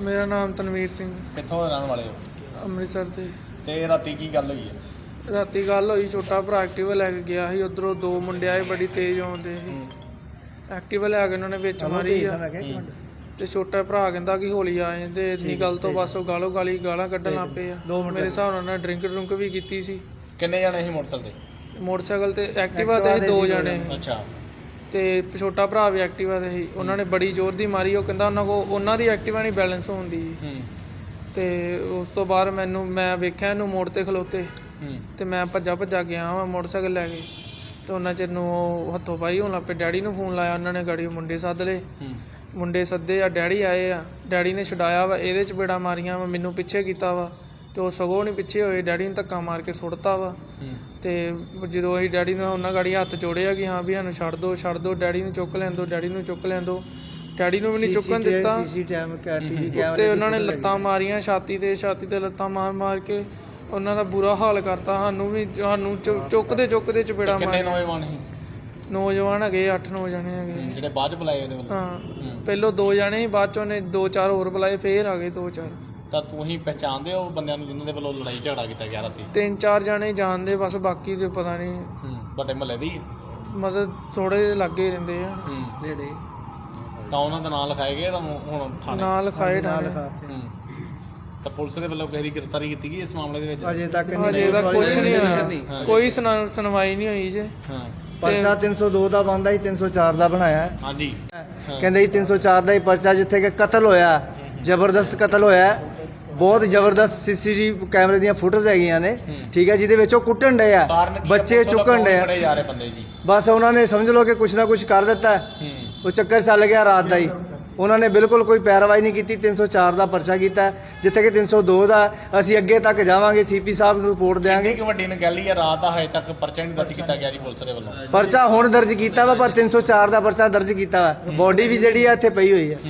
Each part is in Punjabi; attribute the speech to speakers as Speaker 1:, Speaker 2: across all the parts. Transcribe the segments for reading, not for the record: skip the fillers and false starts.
Speaker 1: मेरा नाम तनवीर सिंह।
Speaker 2: कित्थों दे रहने वाले हो?
Speaker 1: ਅੰਮ੍ਰਿਤਸਰ ਤੇ
Speaker 2: राती की गल हुई है?
Speaker 1: ਰਾਤੀ ਗੱਲ ਹੋਈ, ਛੋਟਾ ਭਰਾ ਐਕਟਿਵਾ ਲੈ ਕੇ ਗਿਆ ਸੀ, ਉਧਰੋਂ ਦੋ ਮੁੰਡੇ ਆਏ ਬੜੀ ਤੇਜ਼ ਆਉਂਦੇ ਸੀ। ਐਕਟਿਵਾ ਲੈ ਕੇ ਉਹਨਾਂ ਨੇ ਵਿੱਚ ਮਾਰੀ ਆ ਤੇ ਛੋਟਾ ਭਰਾ ਕਹਿੰਦਾ ਕਿ ਹੌਲੀ ਆ ਜਾਂਦੇ। ਇੰਨੀ ਗੱਲ ਤੋਂ ਬਸ ਉਹ ਗਾਲਾਂ ਕੱਢਣ ਲੱਗ ਪਏ ਆ। ਮੇਰੇ ਹਿਸਾਬ ਨਾਲ ਉਹਨਾਂ ਡਰਿੰਕ ਵੀ ਕੀਤੀ ਸੀ।
Speaker 2: ਕਿੰਨੇ ਜਾਣੇ ਸੀ ਮੋਟਰਸਾਈਕਲ ਤੇ?
Speaker 1: ਮੋਟਰਸਾਈਕਲ ਤੇ ਐਕਟਿਵਾ ਤੇ ਸੀ 2 ਜਣੇ
Speaker 2: ਅੱਛਾ। ਤੇ
Speaker 1: ਛੋਟਾ ਭਰਾ ਵੀ ਐਕਟਿਵਾ ਤੇ ਸੀ। ਉਹਨਾਂ ਨੇ ਬੜੀ ਜ਼ੋਰ ਦੀ ਮਾਰੀ। ਉਹ ਕਹਿੰਦਾ ਉਹਨਾਂ ਦੀ ਐਕਟਿਵਾ ਨਹੀਂ ਬੈਲੈਂਸ ਹੁੰਦੀ। ਤੇ ਉਸ ਤੋਂ ਬਾਅਦ ਮੈਂ ਵੇਖਿਆ ਇਹਨੂੰ ਮੋੜ ਤੇ ਖਲੋਤੇ ਤੇ ਮੈਂ ਭੱਜਾ ਗਿਆ ਵਾ ਮੋਟਰਸਾਈਕਲ ਲੈ ਕੇ। ਤੇ ਉਹਨਾਂ ਚਿਰ ਨੂੰ ਉਹ ਹੱਥੋਂ ਪਾਈ ਹੋਣ ਲੱਗ ਪਏ। ਡੈਡੀ ਨੂੰ ਫੋਨ ਲਾਇਆ, ਉਹਨਾਂ ਨੇ ਗਾੜੀ ਮੁੰਡੇ ਸੱਦ ਲਏ। ਮੁੰਡੇ ਸੱਦੇ ਆ, ਡੈਡੀ ਆਏ ਆ। ਡੈਡੀ ਨੇ ਛੁਡਾਇਆ ਵਾ, ਇਹਦੇ ਚਪੇੜਾਂ ਮਾਰੀਆਂ ਵਾ, ਮੈਨੂੰ ਪਿੱਛੇ ਕੀਤਾ ਵਾ ਤੇ ਉਹ ਸਗੋਂ ਨਹੀਂ ਪਿੱਛੇ ਹੋਏ। ਡੈਡੀ ਨੂੰ ਧੱਕਾ ਮਾਰ ਕੇ ਸੁੱਟਤਾ ਵਾ। ਤੇ ਜਦੋਂ ਅਸੀਂ ਡੈਡੀ ਨੂੰ ਉਹਨਾਂ ਗਾੜੀ ਹੱਥ ਜੋੜਿਆ ਕਿ ਹਾਂ ਵੀ ਸਾਨੂੰ ਛੱਡ ਦਿਓ, ਡੈਡੀ ਨੂੰ ਚੁੱਕ ਲੈਣ ਦਿਓ। ਡੈਡੀ ਨੂੰ ਵੀ ਨਹੀਂ ਚੁੱਕਣ ਦਿੱਤਾ। ਤੇ ਉਹਨਾਂ ਨੇ ਲੱਤਾਂ ਮਾਰੀਆਂ ਛਾਤੀ ਤੇ ਲੱਤਾਂ ਮਾਰ ਕੇ ਉਹਨਾਂ ਦਾ ਬੁਰਾ ਹਾਲ ਕਰਤਾ। ਸਾਨੂੰ ਚੁੱਕਦੇ ਚਪੇੜਾ ਮਾਰ। ਨੌਜਵਾਨ ਹੈਗੇ 8-9 ਜਣੇ ਹੈਗੇ
Speaker 2: ਜਿਹੜੇ ਬਾਅਦ ਚ ਬੁਲਾਏ ਉਹਦੇ ਵੱਲੋਂ।
Speaker 1: ਹਾਂ, ਪਹਿਲੋਂ 2 ਜਣੇ ਸੀ, ਬਾਅਦ ਚ ਉਹਨੇ 2-4 ਹੋਰ ਬੁਲਾਏ, ਫੇਰ ਆ ਗਏ 2-4।
Speaker 2: ਤਾਂ ਤੁਸੀਂ ਪਹਿਚਾਣਦੇ ਹੋ ਬੰਦਿਆਂ ਨੂੰ ਜਿਨ੍ਹਾਂ ਦੇ ਵੱਲੋਂ ਲੜਾਈ ਝਗੜਾ ਕੀਤਾ ਗਿਆ ਰਾਤੀ?
Speaker 1: 3-4 ਜਣੇ ਜਾਣਦੇ, ਬਸ ਬਾਕੀ ਤੇ ਪਤਾ ਨਹੀਂ।
Speaker 2: ਵੱਡੇ ਮਹੱਲੇ ਦੀ
Speaker 1: ਮਤਲਬ ਥੋੜੇ ਲਾਗੇ ਰਹਿੰਦੇ ਆ ਨੇੜੇ।
Speaker 2: ਤਾਂ ਉਹਨਾਂ ਦਾ ਨਾਂ ਲਿਖਾਏ ਗਏ ਤੁਹਾਨੂੰ ਹੁਣ ਥਾਣੇ? ਨਾਂ
Speaker 1: ਲਿਖਾਏ ਥਾਣੇ।
Speaker 2: ਤਾਂ ਪੁਲਿਸ ਦੇ ਵੱਲੋਂ ਕਿਸੇ ਦੀ ਗ੍ਰਿਫਤਾਰੀ ਕੀਤੀ ਗਈ ਇਸ ਮਾਮਲੇ ਦੇ ਵਿੱਚ?
Speaker 1: ਅਜੇ ਤੱਕ ਕੁਝ ਨਹੀਂ ਹੋਇਆ, ਕੋਈ ਸੁਣਵਾਈ ਨਹੀਂ ਹੋਈ ਜੇ।
Speaker 3: ਪਰਚਾ 302 ਦਾ ਬਣਦਾ ਸੀ, 304 ਦਾ ਬਣਾਇਆ।
Speaker 2: ਹਾਂਜੀ,
Speaker 3: ਕਹਿੰਦੇ ਜੀ 304 ਦਾ ਹੀ ਪਰਚਾ, ਜਿੱਥੇ ਕਿ ਕਤਲ ਹੋਇਆ, ਜ਼ਬਰਦਸਤ ਕਤਲ ਹੋਇਆ, ਬਹੁਤ ਜ਼ਬਰਦਸਤ CCTV ਕੈਮਰੇ ਦੀਆਂ ਫੁਟੇਜ ਹੈਗੀਆਂ ਨੇ, ਠੀਕ ਹੈ, ਜਿਹਦੇ ਵਿੱਚ ਉਹ ਕੁੱਟਣ ਡਏ ਆ, ਬੱਚੇ ਚੁੱਕਣ ਡਏ ਆ। ਬਸ ਉਹਨਾਂ ਨੇ ਸਮਝ ਲਓ ਕਿ ਕੁਛ ਨਾ ਕੁਛ ਕਰ ਦਿੱਤਾ। ਉਹ ਚੱਕਰ ਚੱਲ ਗਿਆ ਰਾਤ ਦਾ ਹੀ। ਉਹਨਾਂ ਨੇ ਬਿਲਕੁਲ ਕੋਈ ਪੈਰਵਾਈ ਨਹੀਂ ਕੀਤੀ। 304 ਦਾ ਪਰਚਾ ਕੀਤਾ, ਜਿੱਥੇ ਕਿ 302 ਦਾ ਅਸੀਂ ਅੱਗੇ ਤੱਕ ਜਾਵਾਂਗੇ, CP ਸਾਹਿਬ ਨੂੰ ਰਿਪੋਰਟ ਦੇਵਾਂਗੇ।
Speaker 2: ਵੱਡੀ ਨਗੈਲੀ ਹੈ, ਰਾਤ ਦਾ ਹਜੇ ਤੱਕ ਪਰਚਾ ਨਹੀਂ ਦਰਜ ਕੀਤਾ ਗਿਆ ਜੀ ਪੁਲਿਸ ਦੇ ਵੱਲੋਂ।
Speaker 3: ਪਰਚਾ ਹੁਣ ਦਰਜ ਕੀਤਾ ਵਾ, ਪਰ 304 ਦਾ ਪਰਚਾ ਦਰਜ ਕੀਤਾ ਵਾ। ਬੋਡੀ ਵੀ ਜਿਹੜੀ ਆ ਇੱਥੇ ਪਈ ਹੋਈ ਹੈ।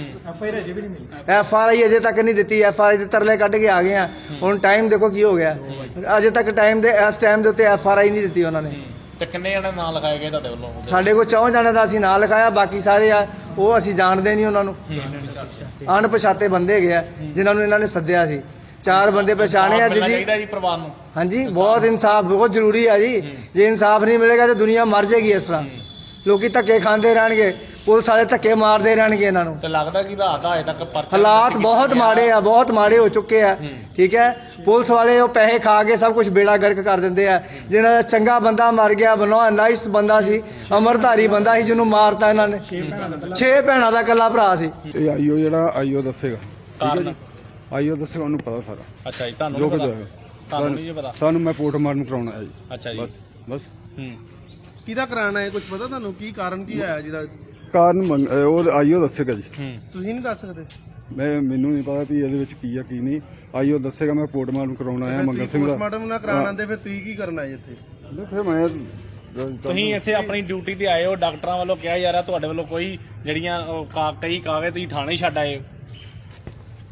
Speaker 3: FRI ਅਜੇ ਤੱਕ ਨਹੀਂ ਦਿੱਤੀ। FRI ਦੇ ਤਰਲੇ ਕੱਢ ਕੇ ਆ ਗਏ ਆ। ਹੁਣ ਟਾਈਮ ਦੇਖੋ ਕੀ ਹੋ ਗਿਆ, ਅਜੇ ਤੱਕ ਇਸ ਟਾਈਮ ਦੇ ਉੱਤੇ FRI ਨਹੀਂ ਦਿੱਤੀ ਉਹਨਾਂ ਨੇ।
Speaker 2: ਤੇ ਕਿੰਨੇ ਜਣੇ ਨਾਂ ਲਿਖਾਏ ਗਏ ਤੁਹਾਡੇ ਵੱਲੋਂ?
Speaker 3: ਸਾਡੇ ਕੋਲ 4 ਜਣੇ ਦਾ ਅਸੀਂ ਨਾਂ ਲਿਖਾਇਆ, ਬਾਕੀ ਸਾਰੇ ਆ ਉਹ ਅਸੀਂ ਜਾਣਦੇ ਨਹੀਂ ਉਹਨਾਂ ਨੂੰ। ਅਣਪਛਾਤੇ ਬੰਦੇ ਹੈਗੇ ਆ ਜਿਨ੍ਹਾਂ ਨੂੰ ਇਹਨਾਂ ਨੇ ਸੱਦਿਆ ਸੀ। 4 ਬੰਦੇ ਪਛਾਣੇ ਆ।
Speaker 2: ਜੀ ਪਰਿਵਾਰ ਨੂੰ
Speaker 3: ਹਾਂਜੀ, ਬਹੁਤ ਇਨਸਾਫ ਬਹੁਤ ਜ਼ਰੂਰੀ ਹੈ ਜੀ। ਜੇ ਇਨਸਾਫ ਨਹੀਂ ਮਿਲੇਗਾ ਤਾਂ ਦੁਨੀਆ ਮਰ ਜਾਏਗੀ। ਇਸ ਤਰ੍ਹਾਂ ਲੋਕੀ ਧੱਕੇ ਖਾਂਦੇ ਰਹਿਣਗੇ, ਪੁਲਿਸ ਵਾਲੇ ਧੱਕੇ ਮਾਰਦੇ ਰਹਿਣਗੇ ਇਹਨਾਂ ਨੂੰ।
Speaker 2: ਤੇ ਲੱਗਦਾ ਕਿ ਰਾਤ ਹਜੇ ਤੱਕ ਪਰਚਾ
Speaker 3: ਹਾਲਾਤ ਬਹੁਤ ਮਾੜੇ ਹੋ ਚੁੱਕੇ ਆ, ਠੀਕ ਹੈ। ਪੁਲਿਸ ਵਾਲੇ ਉਹ ਪੈਸੇ ਖਾ ਕੇ ਸਭ ਕੁਝ ਬੇੜਾ ਗਰਕ ਕਰ ਦਿੰਦੇ ਆ। ਜਿਹਨਾਂ ਦਾ ਚੰਗਾ ਬੰਦਾ ਮਰ ਗਿਆ, ਨਾਈਸ ਬੰਦਾ ਸੀ, ਅਮਰਧਾਰੀ ਬੰਦਾ ਸੀ, ਜਿਹਨੂੰ ਮਾਰਤਾ ਇਹਨਾਂ ਨੇ। 6 ਭੈਣਾਂ ਦਾ ਇਕੱਲਾ ਭਰਾ ਸੀ।
Speaker 4: ਇਹ ਆਈਓ ਦੱਸੇਗਾ, ਠੀਕ ਹੈ ਜੀ। ਆਈਓ ਦੱਸੇਗਾ, ਉਹਨੂੰ ਪਤਾ ਸਾਰਾ।
Speaker 2: ਅੱਛਾ ਜੀ, ਤੁਹਾਨੂੰ
Speaker 4: ਜੋ
Speaker 2: ਪਤਾ?
Speaker 4: ਸਾਨੂੰ ਮੈਂ ਪੋਸਟਮਾਰਟਮ ਕਰਾਉਣਾ ਹੈ ਜੀ।
Speaker 2: ਅੱਛਾ ਜੀ,
Speaker 4: ਬਸ
Speaker 5: ਕਿਹਦਾ ਕਰਾਣਾ ਹੈ, ਕੁਝ ਪਤਾ ਤੁਹਾਨੂੰ? ਕੀ ਕਾਰਨ ਕੀ ਆਇਆ ਜਿਹੜਾ
Speaker 4: ਕਾਰਨ? ਉਹ ਆਈਓ ਦੱਸੇਗਾ ਜੀ।
Speaker 5: ਤੁਸੀਂ ਨਹੀਂ ਦੱਸ ਸਕਦੇ?
Speaker 4: ਮੈਨੂੰ ਨਹੀਂ ਪਤਾ ਵੀ ਇਹਦੇ ਵਿੱਚ ਕੀ ਆ ਕੀ ਨਹੀਂ। ਆਈਓ ਦੱਸੇਗਾ। ਮੈਂ ਪੋਸਟਮਾਰਟਮ ਕਰਾਉਣਾ ਹੈ ਮੰਗਲ ਸਿੰਘ ਦਾ।
Speaker 5: ਪੋਸਟਮਾਰਟਮ ਨਾ ਕਰਾਉਣਾ ਤੇ ਫਿਰ ਤੁਸੀਂ ਕੀ ਕਰਨਾ ਹੈ ਇੱਥੇ?
Speaker 4: ਫਿਰ ਮੈਂ
Speaker 2: ਤੁਸੀਂ ਇੱਥੇ ਆਪਣੀ ਡਿਊਟੀ ਤੇ ਆਏ ਹੋ, ਡਾਕਟਰਾਂ ਵੱਲੋਂ ਕਿਹਾ ਜਾ ਰਿਹਾ ਤੁਹਾਡੇ ਵੱਲੋਂ ਕੋਈ ਜਿਹੜੀਆਂ ਕਈ ਕਾਗਜ਼ ਤੁਸੀਂ ਥਾਣੇ ਛੱਡ ਆਏ ਹੋ।